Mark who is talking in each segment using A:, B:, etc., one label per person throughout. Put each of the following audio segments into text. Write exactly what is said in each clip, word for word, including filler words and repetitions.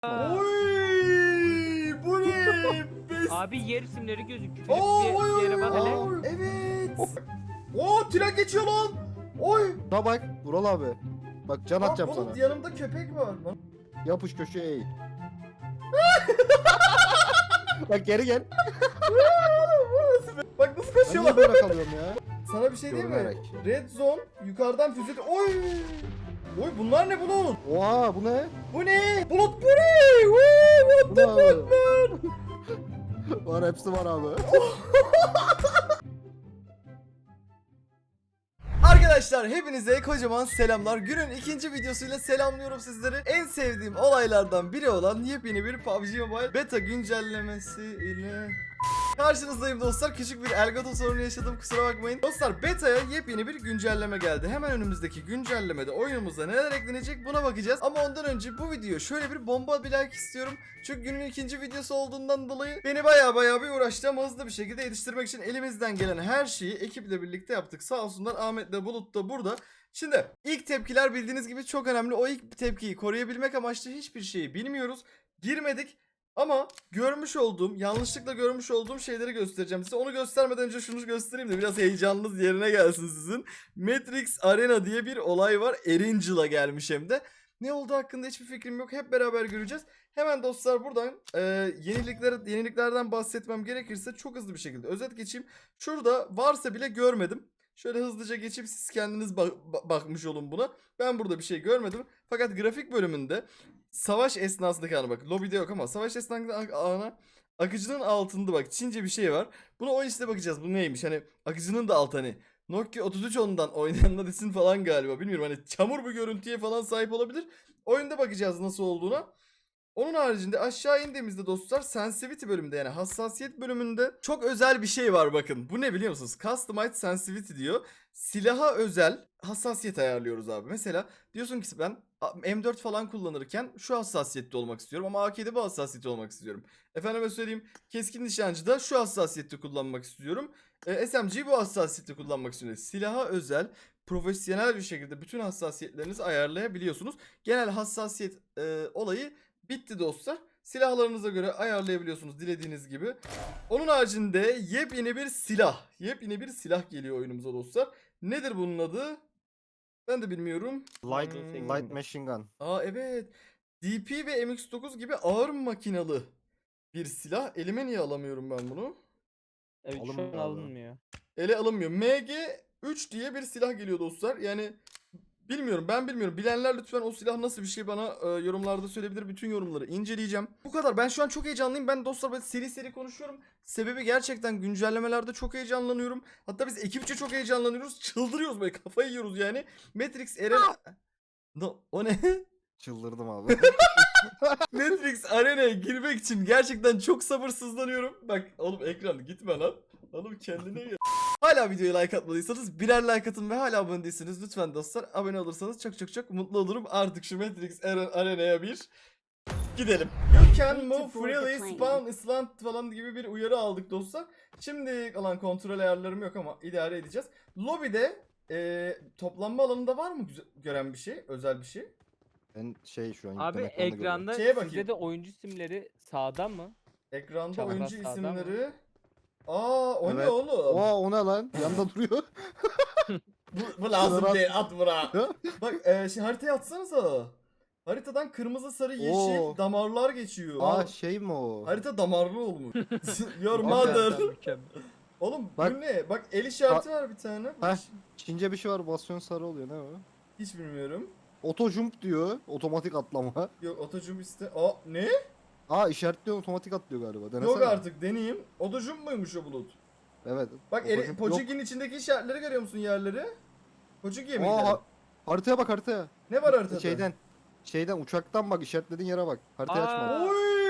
A: Oy! Bu ne? Bes-
B: Abi yer isimleri gözüküyor.
A: Oo,
B: Bir,
A: oy,
B: bir
A: oy,
B: yere bak hele.
A: oy. Evet. Oo, tren geçiyor lan. Oy.
C: Da bak Vural abi. Bak can
A: Aa,
C: atacağım
A: Bulut,
C: sana.
A: yanımda köpek var. Lan.
C: Yapış köşeye eğil. Bak geri gel.
A: Bak nasıl
C: Ben
A: koşuyorlar.
C: niye böyle kalıyorum ya?
A: Sana bir şey diyeyim mi?
C: Görünerek.
A: Red zone yukarıdan füze... Oy! Oy bunlar ne Bulut?
C: Oha bu ne?
A: Bu ne? Bulut bu ne? Woo, what
C: Bu
A: the
C: ne
A: fuck
C: abi?
A: man?
C: Var hepsi var abi.
A: Arkadaşlar hepinize kocaman selamlar. Günün ikinci videosuyla selamlıyorum sizleri. En sevdiğim olaylardan biri olan yepyeni bir P U B G Mobile beta güncellemesi ile karşınızdayım dostlar. Küçük bir Elgato sorunu yaşadım, kusura bakmayın. Dostlar beta'ya yepyeni bir güncelleme geldi. Hemen önümüzdeki güncellemede oyunumuza neler eklenecek buna bakacağız. Ama ondan önce bu video şöyle bir bomba bir like istiyorum. Çünkü günün ikinci videosu olduğundan dolayı beni baya baya bir uğraştı ama hızlı bir şekilde yetiştirmek için elimizden gelen her şeyi ekiple birlikte yaptık. Sağ olsunlar, Ahmet de Bulut da burada. Şimdi ilk tepkiler bildiğiniz gibi çok önemli. O ilk tepkiyi koruyabilmek amaçlı hiçbir şeyi bilmiyoruz. Girmedik. Ama görmüş olduğum, yanlışlıkla görmüş olduğum şeyleri göstereceğim size. Onu göstermeden önce şunu göstereyim de biraz heyecanınız yerine gelsin sizin. Matrix Arena diye bir olay var. Erangel'a gelmiş hem de. Ne olduğu hakkında hiçbir fikrim yok. Hep beraber göreceğiz. Hemen dostlar buradan e, yenilikler, yeniliklerden bahsetmem gerekirse çok hızlı bir şekilde özet geçeyim. Şurada varsa bile görmedim. Şöyle hızlıca geçip siz kendiniz bak bakmış olun buna. Ben burada bir şey görmedim. Fakat grafik bölümünde savaş esnasındaki ana bak lobide yok ama savaş esnasındaki ana akıcının altında bak Çince bir şey var. Buna o işte bakacağız. Bu neymiş? Hani akıcının da altı hani Nokia otuz üç ondan oynayanlar için falan galiba. Bilmiyorum hani çamur bir görüntüye falan sahip olabilir. Oyunda bakacağız nasıl olduğuna. Onun haricinde aşağı indiğimizde dostlar sensitivity bölümünde yani hassasiyet bölümünde çok özel bir şey var bakın. Bu ne biliyor musunuz? Customized sensitivity diyor. Silaha özel hassasiyet ayarlıyoruz abi. Mesela diyorsun ki ben M dört falan kullanırken şu hassasiyette olmak istiyorum ama A K'de bu hassasiyette olmak istiyorum. Efendime söyleyeyim keskin nişancıda şu hassasiyette kullanmak istiyorum. E, S M G'yi bu hassasiyette kullanmak istiyorum. Silaha özel profesyonel bir şekilde bütün hassasiyetlerinizi ayarlayabiliyorsunuz. Genel hassasiyet e, olayı bitti dostlar. Silahlarınıza göre ayarlayabiliyorsunuz dilediğiniz gibi. Onun haricinde yepyeni bir silah. Yepyeni bir silah geliyor oyunumuza dostlar. Nedir bunun adı? Ben de bilmiyorum.
C: Light,
A: Hmm.
C: light machine gun.
A: Aa evet. D P ve M X dokuz gibi ağır makinalı bir silah. Elime niye alamıyorum ben bunu?
B: Evet şu
C: Alınmıyor
B: an
C: abi.
B: alınmıyor.
A: Ele alınmıyor. M G üç diye bir silah geliyor dostlar. Yani bilmiyorum, ben bilmiyorum. Bilenler lütfen o silah nasıl bir şey bana e, yorumlarda söyleyebilir. Bütün yorumları inceleyeceğim. Bu kadar. Ben şu an çok heyecanlıyım. Ben dostlar böyle seri seri konuşuyorum. Sebebi gerçekten güncellemelerde çok heyecanlanıyorum. Hatta biz ekipçe çok heyecanlanıyoruz. Çıldırıyoruz böyle, kafayı yiyoruz yani. Matrix Arena... No, o ne?
C: Çıldırdım abi.
A: Matrix Arena'ya girmek için gerçekten çok sabırsızlanıyorum. Bak oğlum ekran gitme lan. Oğlum kendine gel. Hala videoya like atmadıysanız birer like atın ve hala abone değilseniz lütfen dostlar abone olursanız çok çok çok mutlu olurum. Artık şu Matrix Arena'ya bir gidelim. You can move freely, spawn island falan gibi bir uyarı aldık dostlar. Şimdi kalan kontrol ayarlarım yok ama idare edeceğiz. Lobide e, toplanma alanında var mı güzel, gören bir şey, özel bir şey?
C: Ben şey şu an
B: Abi
C: yükleme ekranında görüyorum.
B: ekranda
A: Şeye bakayım.
B: sizde de oyuncu isimleri sağda mı?
A: Ekranda
B: Çapraz
A: oyuncu
B: sağda
A: isimleri. Aa o ne
C: Evet.
A: oğlum?
C: Oha o ne lan? Yanda duruyor.
A: Bu, bu lazım
C: Şunları
A: değil, at bura.
C: Ya.
A: Bak e, şimdi haritaya atsanıza. Haritadan kırmızı, sarı, yeşil
C: Oo.
A: damarlar geçiyor.
C: Aa
A: Aa,
C: şey mi o?
A: harita damarlı olmuş. Your
C: Bak
A: mother.
B: Mükemmel, mükemmel.
A: Oğlum
C: Bak.
A: bu ne? Bak el işareti var bir tane. Bu
C: Heh.
A: hiç,
C: Çince bir şey var basıyorsun sarı oluyor ne o?
A: hiç bilmiyorum.
C: Auto jump diyor. Otomatik atlama.
A: Yok otocum iste. Aa ne?
C: Aa işaretliyor otomatik atlıyor galiba. Denesene.
A: Yok artık deneyeyim. Otocum muymuş o bulut?
C: Evet.
A: Bak
C: Auto
A: eli,
C: jump
A: Pochinki'nin içindeki işaretleri görüyor musun, yerleri? Pochinki'ye mi
C: yok. Aa,
A: gidelim?
C: ha- haritaya bak haritaya.
A: Ne var haritada?
C: Şeyden. Şeyden uçaktan bak işaretlediğin yere bak. Haritayı
B: Aa.
C: açma.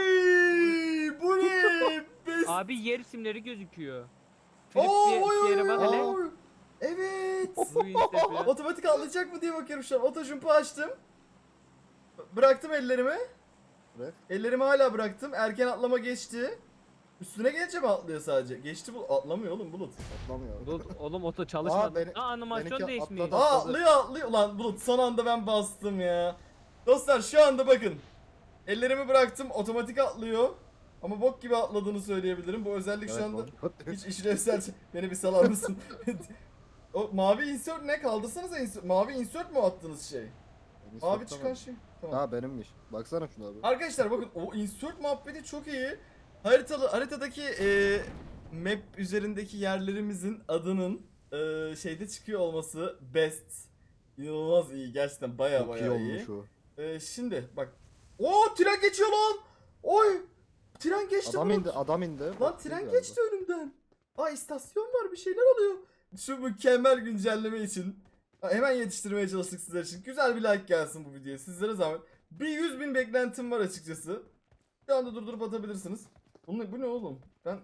A: Oy! Bu ne? Best.
B: Abi yer isimleri gözüküyor.
A: Oo,
B: Filip
A: oy,
B: bir,
A: oy,
B: bir yere
A: oy,
B: bak
A: oy,
B: hele.
A: oy. Evet.
B: Bu işte falan.
A: Otomatik atlayacak mı diye bakıyorum şu an. Otojump'u açtım. Bıraktım ellerimi.
C: Bırak.
A: Ellerimi hala bıraktım. Erken atlama geçti. Üstüne gelince mi atlıyor sadece? Geçti bu. Atlamıyor oğlum Bulut.
C: Atlamıyor.
B: Bulut, oğlum oto çalışmadı.
C: beni-
B: Aa animasyon
C: benimki
B: değişmiyor.
C: atladı.
A: Aa atlıyor atlıyor. Ulan Bulut son anda ben bastım ya. Dostlar şu anda bakın. Ellerimi bıraktım, otomatik atlıyor. Ama bok gibi atladığını söyleyebilirim. Bu özellik şu
C: Evet,
A: anda
C: oğlum.
A: hiç işlevsel. Beni bir salar mısın? O mavi insert ne? Kaldırsanıza insert. Mavi insert mu attığınız şey?
C: Beni
A: Mavi
C: soktu
A: çıkan
C: ama.
A: şey. Tamam.
C: Ha benimmiş. Baksana şuna abi.
A: Arkadaşlar bakın o insert muhabbeti çok iyi. Haritalı haritadaki e, map üzerindeki yerlerimizin adının e, şeyde çıkıyor olması best. İnanılmaz iyi gerçekten baya
C: Çok iyi
A: baya iyi.
C: olmuş o.
A: E, şimdi bak. Oo tren geçiyor lan. Oy. Tren geçti.
C: Adam
A: Bulut.
C: indi, adam indi.
A: Lan
C: Bak,
A: tren
C: galiba.
A: geçti önümden. Aa istasyon var bir şeyler oluyor. Şu mükemmel güncelleme için ha, hemen yetiştirmeye çalıştık sizler için. Güzel bir like gelsin bu videoya sizlere zahmet. Bir yüz bin beklentim var açıkçası. Şu anda durdurup atabilirsiniz. Bu ne, bu ne oğlum? Ben...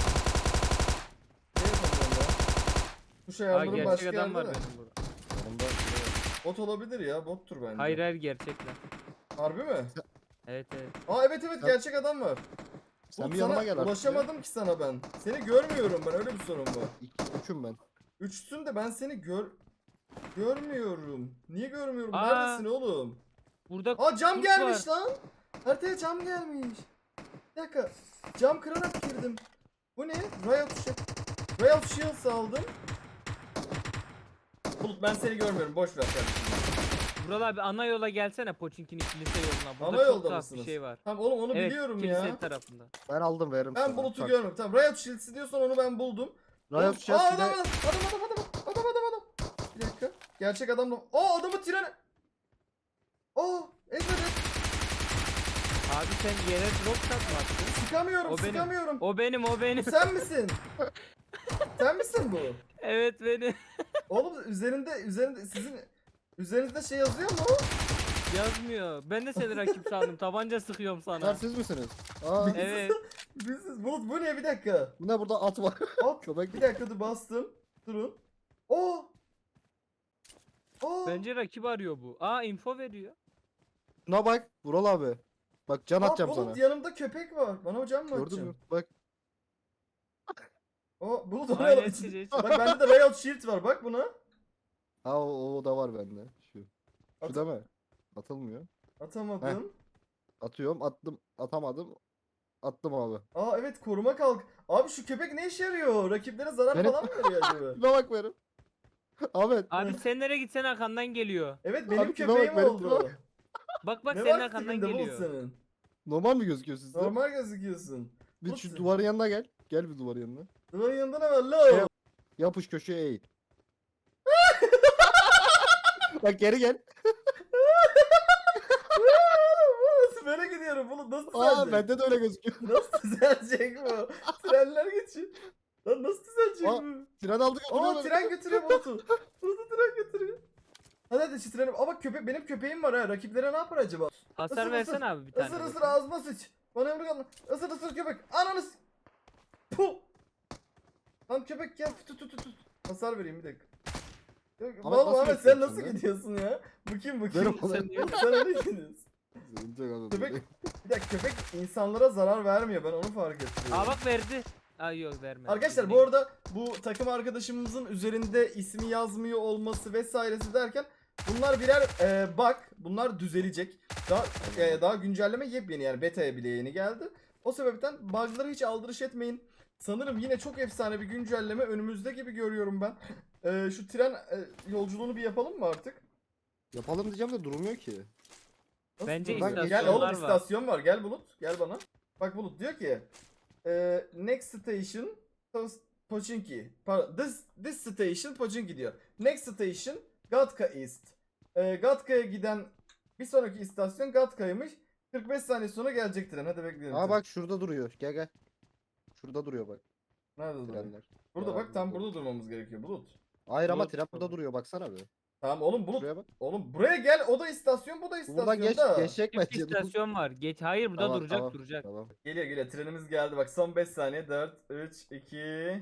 A: Ne yapacağım ya? Tuş
B: Aa
A: ayarlarım
B: gerçek
A: başka
B: adam
A: yerde
B: var
A: de.
B: benim burada.
C: Yanımda.
A: Bot olabilir ya bottur bence.
B: Hayır hayır gerçekler.
A: Harbi mi?
B: Evet evet.
A: Aa evet evet
C: Sen-
A: gerçek adam var.
C: Sen
A: Oğlum
C: bir
A: sana
C: yanıma gel artık.
A: ulaşamadım ki sana ben. Seni görmüyorum ben öyle bir sorun var.
C: İki, üçüm ben.
A: Üçsün de ben seni gör... Görmüyorum. Niye görmüyorum?
B: Aa.
A: Neredesin oğlum?
B: Burada
A: Aa cam
B: kurt
A: gelmiş
B: var.
A: lan. Haritaya cam gelmiş. Bir dakika. Cam kırarak girdim. Bu ne? Riot Shield. Riot Shields aldım. Bulut ben seni görmüyorum. Boş ver kardeşim.
B: Vural abi ana yola gelsene Poçinki'nin kilise yoluna. Burada
A: Ana
B: çok
A: yolda
B: tuhaf
A: mısınız?
B: bir şey var.
A: Tamam oğlum onu
B: Evet
A: biliyorum
B: kilise
A: ya.
B: tarafında.
C: Ben aldım veririm
A: Ben
C: sana.
A: Bulut'u
C: Tak.
A: görmüyorum. Tamam Riot Shields diyorsan onu ben buldum. Oğlum-
C: Riot
A: Aa
C: Shields bir
A: adam
C: de
A: adam adam adam adam adam adam adam. Bir dakika. Gerçek adam da. Aa adamı trene. Aa ezmedi.
B: Abi sen yere drop shot mı attın?
A: Sıkamıyorum
B: O benim.
A: sıkamıyorum.
B: O benim o benim.
A: Sen misin? Sen misin bu?
B: Evet benim.
A: Oğlum üzerinde üzerinde sizin üzerinizde şey yazıyor mu?
B: Yazmıyor. Ben de seni rakip sandım. Tabanca sıkıyorum
C: Bunlar
B: sana.
C: siz misiniz? Aa,
B: Evet.
A: Biz Bulut bu ne bir dakika.
C: bu ne burada at var.
A: Hop
C: Köpek.
A: bir dakika dur bastım. Durun. Oo. Oo.
B: Bence rakip arıyor bu. Aa info veriyor.
C: Şuna bak. Vural abi. Bak can
A: Aa,
C: atacağım
A: Bulut
C: sana.
A: yanımda köpek var. Bana hocam mı
C: Gördün
A: atacaksın?
C: mü? Bak.
A: O Bulut oraya
B: Aynen
A: atacak.
B: çiçeği.
A: Bak bende de Riot Shield var bak buna.
C: Ha o, o da var bende. Şu.
A: At-
C: Şu da mı? Atılmıyor.
A: Atamadım.
C: Atıyorum. Attım. Atamadım. Attım abi.
A: Aa evet koruma kalk. Abi şu köpek ne işe yarıyor? Rakiplere zarar
C: Benim-
A: falan mı veriyor acaba?
C: Şuna bak benim. Ahmet.
B: Abi sen nereye gitsen arkandan geliyor.
A: Evet benim
C: Abi tipe bak,
A: köpeğim
C: benim
A: oldu.
C: tipe
B: Bak bak
A: Ne
B: senin
A: var
B: arkandan
A: tipinde Bulut
B: geliyor.
A: senin?
C: Normal mi gözüküyor sizde?
A: Normal gözüküyorsun.
C: Bir
A: Bulut
C: şu
A: sen-
C: duvarın yanına gel. Gel bir duvarın yanına.
A: Duvarın yanında ne var la?
C: Şey- Yapış köşeye eğil. Bak geri gel.
A: Nasıl böyle gidiyorum Bulut nasıl
C: Aa
A: düzelecek?
C: bende de öyle gözüküyor.
A: Nasıl düzelecek bu? Trenler geçiyor. Lan nasıl düzelecek
C: Aa,
A: bu?
C: Tren aldık.
A: Aa tren götürüyor Bulut'u. Bulut'u tren götürüyor. Hadi hadi şu treni. Aa bak köpek benim köpeğim var ha. Rakiplere ne yapar acaba?
B: Hasar
A: Isır,
B: versene
A: ısır.
B: abi bir tane.
A: Isır ısır
B: bakayım.
A: ağzıma sıç. Bana yumruk atma. Isır ısır köpek. Ananı s- Puh. Lan köpek gel tut tut tut tut. Hasar vereyim bir dakika. Yok,
C: Ahmet
A: Vallahi
C: nasıl
A: Ahmet sen
C: yapıyorsun
A: nasıl
C: ya?
A: gidiyorsun ya? Bu kim bu
C: Verim
A: kim?
C: ona.
A: Sen, sen öyle gidiyorsun. Köpek, bir dakika köpek insanlara zarar vermiyor ben onu fark ettim.
B: Aa bak verdi. Aa yok vermedi.
A: Arkadaşlar bu arada bu takım arkadaşımızın üzerinde ismi yazmıyor olması vesairesi derken bunlar birer e, bug. Bunlar düzelecek. Daha e, daha güncelleme yepyeni yani beta'ya bile yeni geldi. O sebepten bug'ları hiç aldırış etmeyin. Sanırım yine çok efsane bir güncelleme önümüzde gibi görüyorum ben. E, şu tren e, yolculuğunu bir yapalım mı artık?
C: Yapalım diyeceğim de durmuyor ki.
A: Nasıl
B: Bence
A: durmuyor? Gel
B: istasyonlar
A: oğlum
B: var.
A: istasyon var. Gel Bulut. Gel bana. Bak Bulut diyor ki e, next station Tos- Pochinki. Pardon, this, this station Pochinki diyor. Next station Gatka East. E, Gatka'ya giden bir sonraki istasyon Gatka'ymış. kırk beş saniye sonra gelecek tren. Hadi bekleyelim.
C: Aa bak şurada duruyor. Gel gel. Şurada duruyor bak
A: Nerede duruyor?
C: trenler.
A: Burada
C: Aa,
A: bak tam
C: burada.
A: burada durmamız gerekiyor Bulut.
C: Hayır ama
B: Bulut.
C: tren burada duruyor baksana bir.
A: Tamam oğlum Bulut.
C: Şuraya bak.
A: Oğlum buraya gel. O da istasyon bu da istasyon
C: Buradan geç
A: da.
C: geçecek
B: Çift
C: bence.
B: istasyon var. Geç. Hayır burada
C: Tamam,
B: duracak
C: tamam,
B: duracak.
C: Tamam.
A: Geliyor geliyor trenimiz geldi bak son beş saniye dört üç iki.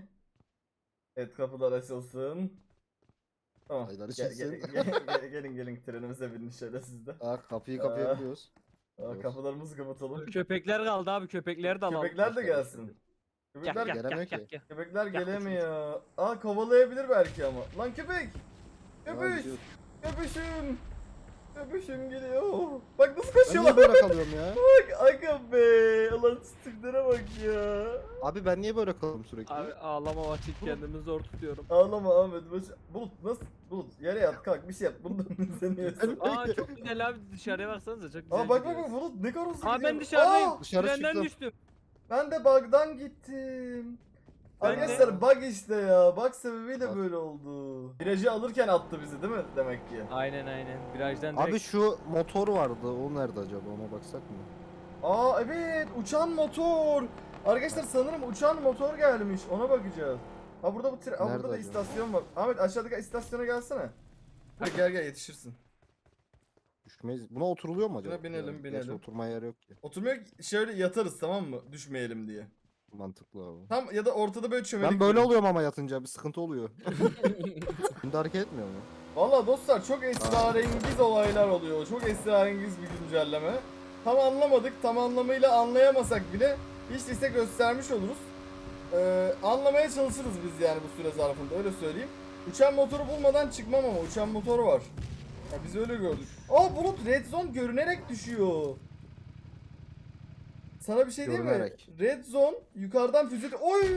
A: Evet kapılar açılsın. Tamam.
C: Aylar
A: Gel-
C: açılsın.
A: gel- gel- gel- gelin gelin trenimize binin şöyle sizde.
C: Aa kapıyı
A: Aa.
C: kapayabiliyoruz.
A: Aa,
C: Evet.
A: kapılarımızı kapatalım.
B: Köpekler kaldı abi köpekleri de alalım.
A: Köpekler de
C: Hoş
A: gelsin.
B: Gel
A: Köpekler,
B: gel gel
C: Gelemiyor
B: gel.
C: ki.
B: gel.
A: köpekler
B: Gel
A: gelemiyor. Aa kovalayabilir belki ama. Lan köpek!
C: Aa,
A: Köpüş!
C: gidiyor.
A: Köpüşüm! Öpüşüm geliyor. Bak nasıl
C: Ben niye
A: koşuyorlar.
C: böyle kalıyorum ya?
A: Bak aga be. Ulan stiklere bak ya.
C: Abi ben niye böyle kalıyorum sürekli?
B: Abi ağlama vakit kendimi zor tutuyorum.
A: Ağlama Ahmet. Baş... Bulut nasıl? Bulut yere yat kalk bir şey yap. Bundan izleniyorsun.
B: Aa çok güzel abi, dışarıya baksanıza çok güzel
A: Aa bak bak
B: gidiyoruz.
A: bak Bulut ne kadar hızlı
B: Aa
A: gidiyor.
B: ben dışarıdayım.
A: Aa,
C: Dışarı
B: Trenden
C: çıktım.
B: düştüm.
A: ben de bug'dan gittim.
B: Ben
A: Arkadaşlar
C: de-
A: bug işte ya. Bug sebebiyle
C: Bak.
A: böyle oldu. Virajı alırken attı bizi değil mi demek ki?
B: Aynen aynen. Virajdan direkt.
C: Abi şu motor vardı. O nerede acaba? Ona baksak mı?
A: Aa evet uçan motor. Arkadaşlar sanırım uçan motor gelmiş. Ona bakacağız. Ha burada bu tre- ha,
C: Nerede
A: burada da
C: acaba?
A: istasyon var. Ahmet aşağıdaki istasyona gelsene. Hadi gel gel yetişirsin.
C: Düşmeyiz. Buna oturuluyor mu acaba?
A: Buna binelim,
C: Ya,
A: binelim.
C: Gerçi oturmaya yer yok ki.
A: Oturmaya şöyle yatarız tamam mı? Düşmeyelim diye.
C: Mantıklı abi.
A: Tam ya da ortada böyle çömelik.
C: Ben böyle
A: durun.
C: oluyorum ama yatınca bir sıkıntı oluyor. Şimdi hareket etmiyor mu?
A: Valla dostlar çok esrarengiz olaylar oluyor. Çok esrarengiz bir güncelleme. Tam anlamadık. Tam anlamıyla anlayamasak bile hiç değilse göstermiş oluruz. Ee, anlamaya çalışırız biz yani bu süre zarfında öyle söyleyeyim. Uçan motoru bulmadan çıkmam ama uçan motor var. Ya biz öyle gördük. Aa Bulut Red Zone görünerek düşüyor. Sana bir şey diyeyim mi?
C: Görünerek.
A: Red Zone yukarıdan füze... Oy!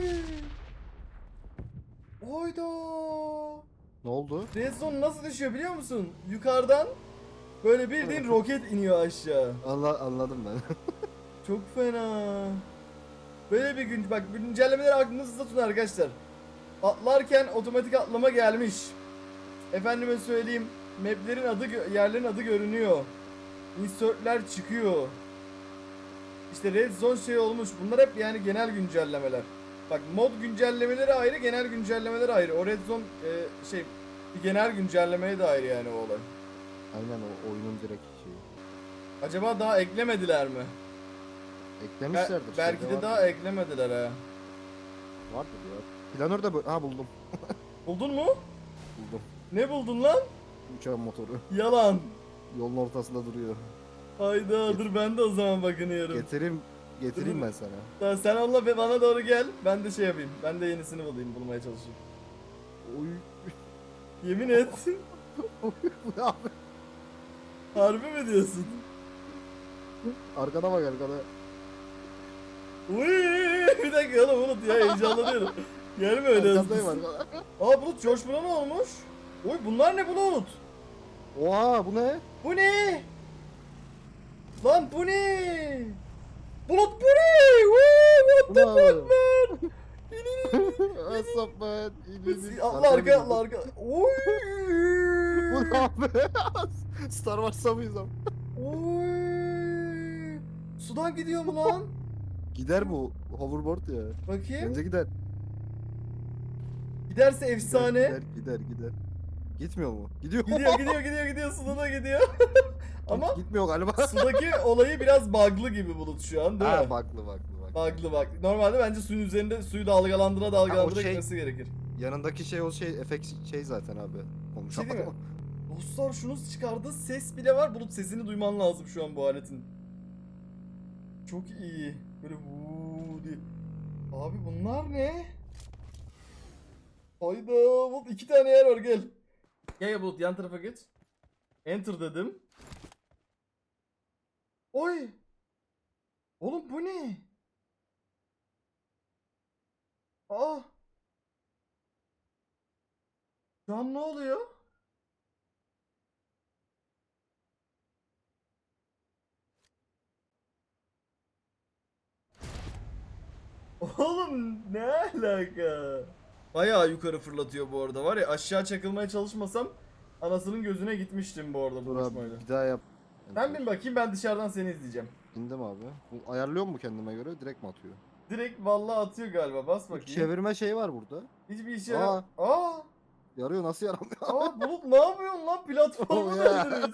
A: Oyda!
C: Ne oldu?
A: Red Zone nasıl düşüyor biliyor musun? Yukarıdan böyle bildiğin roket iniyor aşağı.
C: Allah anladım ben.
A: Çok fena. Böyle bir gün bak güncellemeleri aklınızda tutun arkadaşlar. Atlarken otomatik atlama gelmiş. Efendime söyleyeyim maplerin adı gö- yerlerin adı görünüyor. Insertler çıkıyor. İşte Red Zone şey olmuş. Bunlar hep yani genel güncellemeler. Bak mod güncellemeleri ayrı, genel güncellemeleri ayrı. O Red Zone e, şey bir genel güncellemeye de ayrı yani o olay.
C: Aynen o oyunun direkt şeyi.
A: Acaba daha eklemediler mi? Be-
C: Eklemişlerdir.
A: belki
C: şeyde
A: de daha
C: vardır.
A: eklemediler ha.
C: Vardır ya. Planör de böyle. Ha buldum.
A: Buldun mu?
C: Buldum.
A: Ne buldun lan?
C: Uçağın motoru.
A: Yalan.
C: Yolun ortasında duruyor.
A: Hayda dur ben de o zaman bakınıyorum.
C: Getireyim. Getireyim ben sana.
A: Tamam, sen onunla be- bana doğru gel. Ben de şey yapayım. Ben de yenisini bulayım. Bulmaya çalışayım.
C: Oy.
A: Yemin et.
C: Bu ne abi?
A: Harbi mi diyorsun?
C: Arkana bak arkana.
A: Uy, bir dakika oğlum Bulut ya heyecanlanıyorum. Gelme öyle
C: Arkandayım
A: hızlı.
C: arkana.
A: Aa Bulut George Bull'a ne olmuş? Oy bunlar ne Bulut?
C: Oha bu ne?
A: Bu ne? Lan bu ne? Bulut bu ne? Woo, what the
C: Bu ne
A: fuck man?
C: Asap ben.
A: Allah arka Allah arka. Oy.
C: Bu ne abi? Star Wars'a mıyız abi?
A: Oy. Sudan gidiyor mu lan?
C: Gider bu hoverboard ya.
A: Bakayım.
C: Bence gider.
A: Giderse
C: Gider,
A: efsane.
C: Gider gider gider. Gitmiyor mu? Gidiyor.
A: Gidiyor gidiyor gidiyor gidiyor suda da gidiyor. Ama
C: Gitmiyor galiba.
A: sudaki olayı biraz bug'lı gibi Bulut şu an değil
C: Ha
A: mi?
C: baklı baklı bak.
A: Bug'lı bak. Normalde bence suyun üzerinde suyu dalgalandıra dalgalandıra
C: şey-
A: gitmesi gerekir.
C: Yanındaki şey o şey efekt şey zaten abi.
A: Bir şey değil mi?
C: Konuşamadım.
A: Dostlar şunu çıkardığı ses bile var. Bulut sesini duyman lazım şu an bu aletin. Çok iyi. Böyle vuuu diye. Abi bunlar ne? Hayda Bulut iki tane yer var gel. Gel gel Bulut yan tarafa geç. Enter dedim. Oy. Oğlum bu ne? Aa. Şu an ne oluyor? Oğlum ne alaka? Bayağı yukarı fırlatıyor bu arada var ya aşağı çakılmaya çalışmasam anasının gözüne gitmiştim bu arada bu
C: Dur abi
A: uçmayla.
C: bir daha yap.
A: Sen bin bakayım ben dışarıdan seni izleyeceğim.
C: İndim abi. Bu ayarlıyor mu kendime göre? Direkt mi atıyor?
A: Direkt vallahi atıyor galiba bas
C: Bu
A: bakayım.
C: çevirme şey var burada.
A: Hiçbir işe
C: Aa.
A: yaramıyor. Aa.
C: Yarıyor nasıl yaramıyor?
A: Aa Bulut ne yapıyorsun lan platformu
C: Oh ya.
A: döndürüyorsun.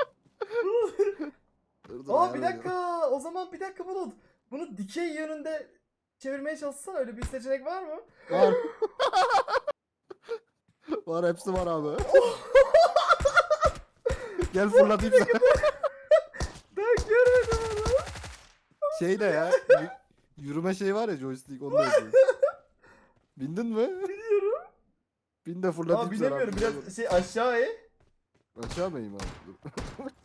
C: Dur, dur,
A: Aa bir
C: ayarlayacağım.
A: dakika o zaman bir dakika Bulut. Bunu dikey yönünde çevirmeye çalışsana öyle bir seçenek var mı?
C: Var. Var hepsi var abi. Gel fırlatayım sana.
A: Ben görmedim onu.
C: Şey de ya. y- Yürüme şeyi var ya joystick onu da yapıyor. Bindin mi?
A: Biliyorum.
C: Bin de fırlatayım
A: Aa
C: sana.
A: bilemiyorum biraz şey aşağı e.
C: Aşağı mı ineyim abi? Dur.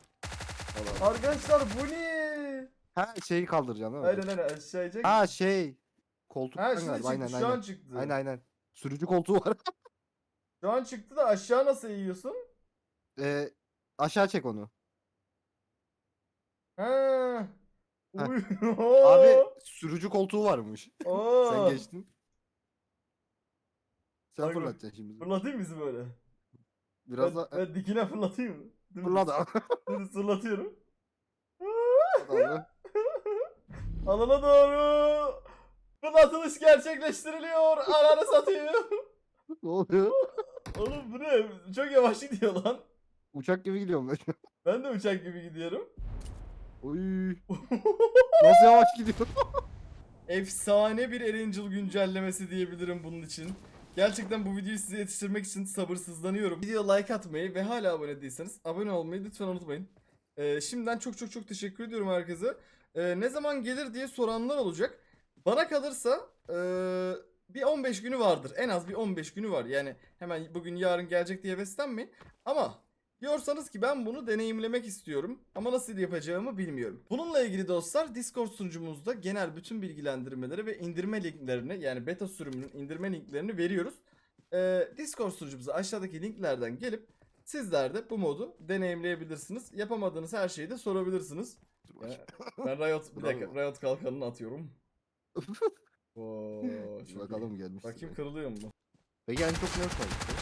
C: Allah.
A: Arkadaşlar bu ne?
C: Ha şeyi kaldıracaksın değil mi?
A: Aynen aynen aşağı çek.
C: Ha şey. Koltuktan
A: Ha şimdi
C: galiba.
A: çıktı
C: Aynen
A: şu
C: aynen.
A: an çıktı.
C: Aynen aynen. Sürücü koltuğu var.
A: Şu an çıktı da aşağı nasıl eğiyorsun?
C: Ee, aşağı çek onu.
A: Ha.
C: Heh.
A: Uy.
C: Abi sürücü koltuğu varmış.
A: Oo.
C: Sen geçtin. Sen
A: Bak bak.
C: fırlatacaksın şimdi.
A: Fırlatayım bizi böyle.
C: Biraz
A: ben,
C: da
A: ben dikine fırlatayım mı? Dur,
C: fırlat abi.
A: Dur fırlatıyorum.
C: Abi.
A: Alana doğru. Fırlatılış gerçekleştiriliyor. Ananı satayım.
C: Ne oluyor?
A: Oğlum bu ne? Çok yavaş gidiyor lan.
C: Uçak gibi gidiyorum ben.
A: Ben de uçak gibi gidiyorum.
C: Oy. Nasıl yavaş gidiyor?
A: Efsane bir Erangel güncellemesi diyebilirim bunun için. Gerçekten bu videoyu size yetiştirmek için sabırsızlanıyorum. Video like atmayı ve hala abone değilseniz abone olmayı lütfen unutmayın. Ee, şimdiden çok çok çok teşekkür ediyorum herkese. Ee, ne zaman gelir diye soranlar olacak. Bana kalırsa ee, bir on beş günü vardır. En az bir on beş günü var. Yani hemen bugün yarın gelecek diye beslenmeyin. Ama diyorsanız ki ben bunu deneyimlemek istiyorum ama nasıl yapacağımı bilmiyorum. Bununla ilgili dostlar Discord sunucumuzda genel bütün bilgilendirmeleri ve indirme linklerini, yani beta sürümünün indirme linklerini veriyoruz. Ee, Discord sunucumuza aşağıdaki linklerden gelip sizler de bu modu deneyimleyebilirsiniz. Yapamadığınız her şeyi de sorabilirsiniz.
C: Dur
A: Ee,
C: bakayım.
A: ben Riot, bir dakika,
C: Bravo.
A: Riot kalkanını atıyorum. Oo, çok iyi.
C: Bakalım gelmiş.
A: Bakayım kırılıyor mu?
C: Peki en çok ne kaldı?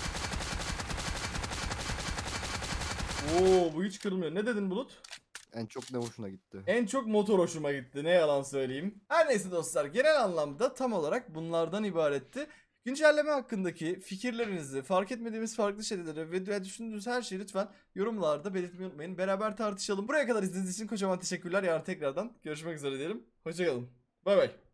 A: Oo, bu hiç kırılmıyor. Ne dedin Bulut?
C: En çok ne hoşuna gitti?
A: En çok motor hoşuma gitti. Ne yalan söyleyeyim. Her neyse dostlar, genel anlamda tam olarak bunlardan ibaretti. Güncelleme hakkındaki fikirlerinizi, fark etmediğimiz farklı şeyleri ve düşündüğünüz her şeyi lütfen yorumlarda belirtmeyi unutmayın. Beraber tartışalım. Buraya kadar izlediğiniz için kocaman teşekkürler. Yarın tekrardan görüşmek üzere diyelim. Hoşçakalın. Bay bay.